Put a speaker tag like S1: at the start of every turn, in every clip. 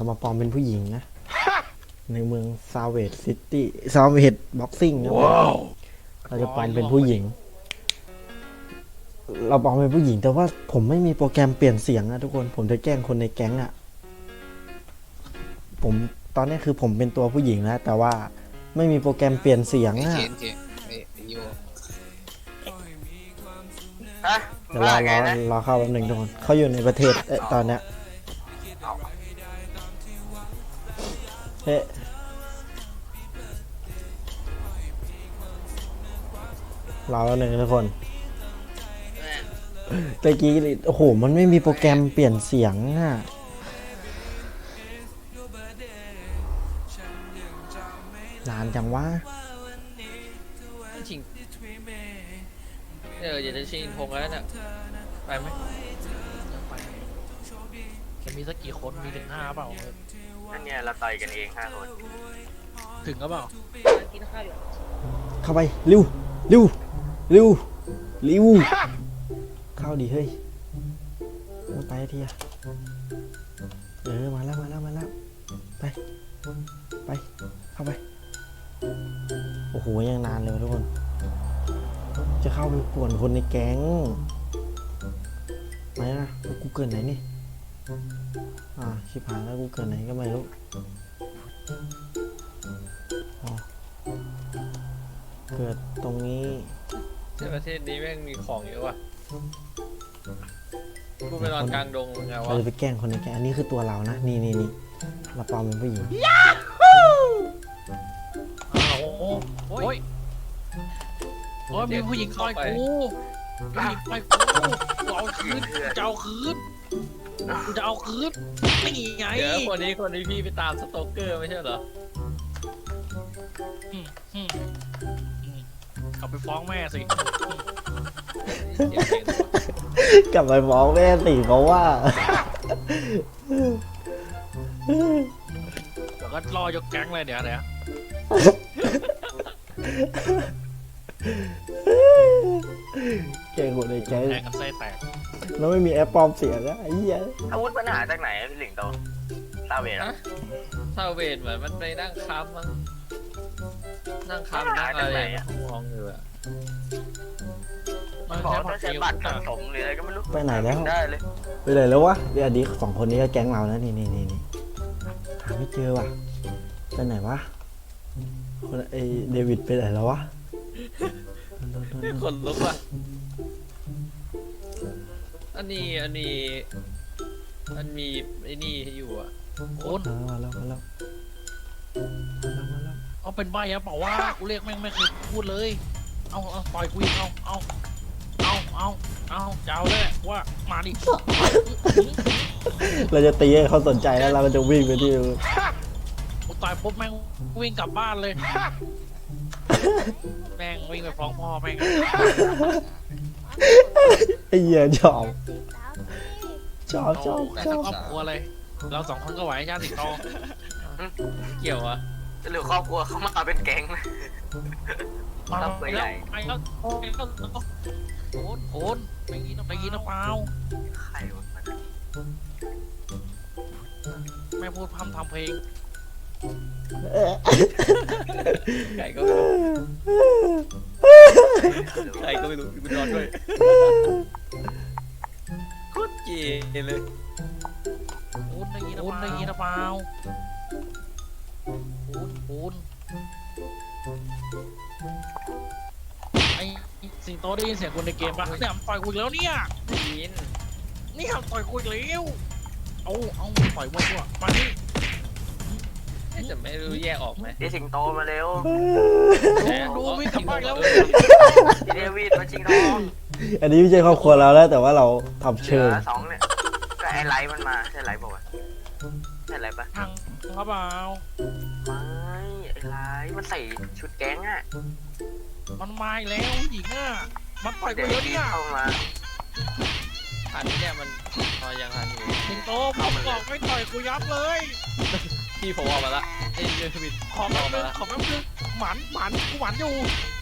S1: เรามาปลอมเป็นผู้หญิงนะในเมืองซาเวดซิตี้ซาเวดบ็อกซิ่งนะเราจะปลอมเป็นผู้หญิงเราปลอมเป็นผู้หญิงแต่ว่าผมไม่มีโปรแกรมเปลี่ยนเสียงนะทุกคนผมจะแกล้งคนในแก๊งอะผมตอนนี้คือผมเป็นตัวผู้หญิงแล้วแต่ว่าไม่มีโปรแกรมเปลี่ยนเสียงอะเดี๋ยวรอเข้าแป๊บหนึ่งทุกคนเขาอยู่ในประเทศตอนเนี้ยเฮ้รอแป๊บหนึ่งทุกคนตะกี้โอ้โหมันไม่มีโปรแกรมเปลี่ยนเสียงอะนานจังวะ
S2: ชิงอยากจะชิงพงแล้วเนี่ยไปไหม
S3: ไปจะมีสักกี่คนมีถึง5เปล่า
S4: นั่นเนี่ยเราต่อยกันเอง5 คน
S3: ถึงก็เปล่า
S5: กินข้าวอยู่
S1: เข้าไปเร็วเร็วเร็วเร็วเข้าดิเฮ้ยมาไปทีอะมาแล้วไปเข้าไปโอ้โหยังนานเลยทุกคนจะเข้าไปป่วนคนในแก๊งไหนนะกูเกิดไหนนี่ชิบหายแล้วกูเกิดไหนก็ไม่รู้เกิดตรงนี้
S2: ในประเทศนี้แม่งมีของเยอะว่ะกูไปนอนกลางดงไงวะ
S1: เราจะไปแกล้งคนในแก๊งอันนี้คือตัวเรานะนี่เราปลอมเป็นผู้หญิง
S3: โอ้ยมีผู้หญิงต่อยกูผู้หญิงต่อยกูเอาคืนจะเอาคืนนี่ไง
S2: เดี๋ยวคนนี้พี่ไปตามสโตเกอร์ไม่ใช่เหร
S3: กลับไปฟ้องแม่สิ
S1: กลับไปฟ้องแม่สิเพราะว่า
S3: เดี๋ยวก็รอยกแก๊งเลยเดี๋ยว
S1: แกงคนในแก๊ง
S3: แทงกันไส้แตก
S1: แล้วไม่มีแอปปลอมเสียงนะไอ้เหี้ย
S4: อาวุธปัญหาจากไหนพี่หลิงโตซาเวด
S2: ซาเวดเหมือนมันไปนั่งค้ำมั้งนั่งอะไรมองอยู่อะ
S4: มันบอกต้องใช้บัตรสะสมหรืออะไรก็ไม่รู้
S1: ไปไหนแล้ว
S4: ได้เลย
S1: ไปไหนแล้ววะเดี๋ยวดี2 คนนี้ก็แก๊งเรานะนี่หาไม่เจอว่ะไปไหนวะคนไอเดวิดไปไหนแล้ววะ
S2: คนลุกว่ะอันนี้มันมีไอ้นี่อยู่อ่ะ
S3: โอน
S1: มาแล้ว
S3: เอาเป็นใบอะเปล่าว่ากูเรียกแม่งไม่เคยพูดเลยเอาปล่อยกูอีกเอาเจ้าเลยว่ามาดิ
S1: เราจะตีให้เขาสนใจแล้วเราจะวิ่งไปที่
S3: กูต่อยปุ๊บแม่งวิ่งกลับบ้านเลยแม่งวิ่งไปฟ้องพ่อแม่ง
S1: ไอ้เหี้ยชอบ
S3: แต่ถ้าครอบครัวเลยเรา2 คนก็ไหวชาติโต
S2: เกี่ยวอะ
S4: หรือครอบครัวเขามาเป็นแก๊งนะ
S3: ต้องไปใหญ่ไอ้แล้วโอนไม่ยินนะเปล่า
S4: ใครวะ
S3: แม่พูดพร่ำทำเพลง
S2: ไก่ก็ไม่รู้กูนอนด้วยโคตรเจ๋งเลย
S3: โอนได้ยินนะเปล่าโอนไอ้สิงโตได้ยินเสียงคนในเกมปะเนี่ยต่อยกูแล้วเนี่ย
S2: ยิน
S3: นี่ต่อยกูแล้วเอาต่อยมั่วมาดิ
S2: จะไม่รู้แยกออกไหม
S4: สิงโตมาเร็ว
S3: ดูวิ่งกลับบ้านแล้ว
S4: เดวิดมาชิงทอง
S1: อันนี้ไม่ใช่ครอบครัวเราแล้วแต่ว่าเราทำเชิง
S4: 2เนี่ยก็ไอไลท์มันมาใช่ไลท์ป่าวใช่ไลท์ปะ
S3: ครับเปล่า
S4: ไม่ไอไลท์มันใส่ชุดแก๊งอ่ะ
S3: มันมาแล้วหญิงอ่ะมันต่อยกูแล้วเนี่ย
S4: เข้ามา
S2: อันนี้เนี่ยมันยังทันอยู่
S3: สิงโตผมบอกไม่ต่อยกูยับเลย
S2: พี่ผมออกมาละไอ้เดวิด
S3: ขอแป๊บนึงหมันกูหมันอยู่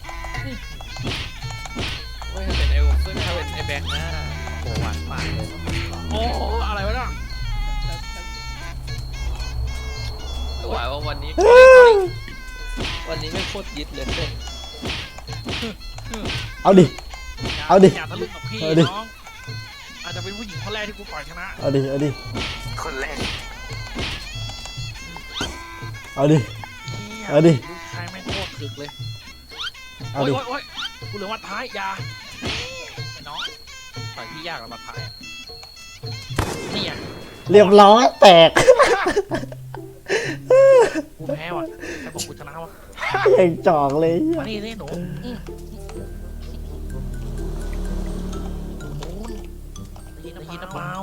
S2: เฮ้ยถ้าเป็นถ้าเป็นไอ้แบงค์นะโหหวานมากเลย
S3: โอ้อะไรวะเนี่ย
S2: หวายว่าวันนี้ไม่โคตรยึดเลยเส้น
S1: เอาดิ เอาดิ
S3: อย่าทะลึ่งกับพี่
S1: เอาดิ
S3: น้องอาจจะเป็นผู้หญิงคนแรกที่กูปล่อยชนะ
S1: เอาดิเอาดิ
S4: คนแรก
S1: เอาดิ
S3: หี้ย
S1: เอาดิ
S3: ลูกชายแม่งโคตรถึกเลย
S1: เอา
S3: โอ้ย
S1: ดิ
S3: โอ้ยกูเหลือวัดท้ายอยาไอ้น้องต่อยพี่ยากแล้ววัดท้ายอะนี่อ่ะ
S1: เรียบร้อยแตก
S3: กูแพ้ว่ะแต่บอกกูชนะว่ะ
S1: ยังจอกเลย
S3: มานี่สิหนูได้ยินนะเปล่า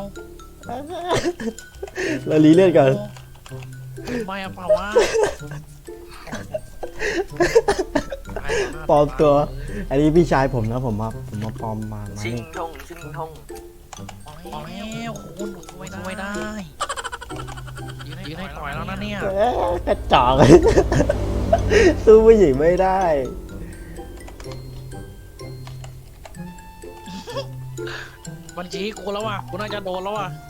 S1: เราลีเลือดก่อน
S3: ไม่อะเปล่าวะ
S1: ปลอมตัว อันนี้พี่ชายผมนะผมมาปลอมมา
S4: ชิง
S1: นี่
S4: ทงชิงทง
S3: อ๋อแล้วคุณช่วยได้ยืนให้ต่อยแล้วนะเนี่ย
S1: กระจอกเลย สู้ผู้หญิงไม่ได้
S3: บัญชีกูแล้วว่ะกูน่าจะโดนแล้วว่ะ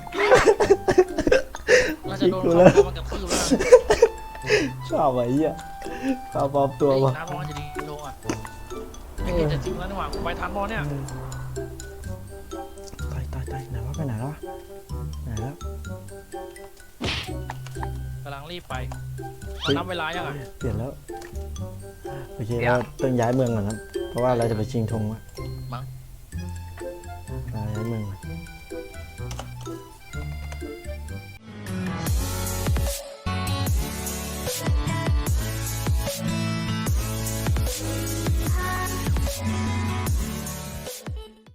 S3: น่าจะโดนเขามันกับทืบแล้ว
S1: ชอบไอ้เหี้ยชอบปลอมตัว
S3: อี
S1: วะ
S3: กน้ำร้อนจะดีโดนอ่ะไม่คิดจะจริงแล้วนี่หว่ากูไปทันบอลเนี่ย
S1: ตายไหนวะไปไหนแล้ววะไหนแล้ว
S3: กำลังรีบไปนับเวลายังไง
S1: เปลี่ยนแล้วโอเคเราต้องย้ายเมืองก่อนครับเพราะว่าเราจะไปชิงธงอะ
S3: มั้ง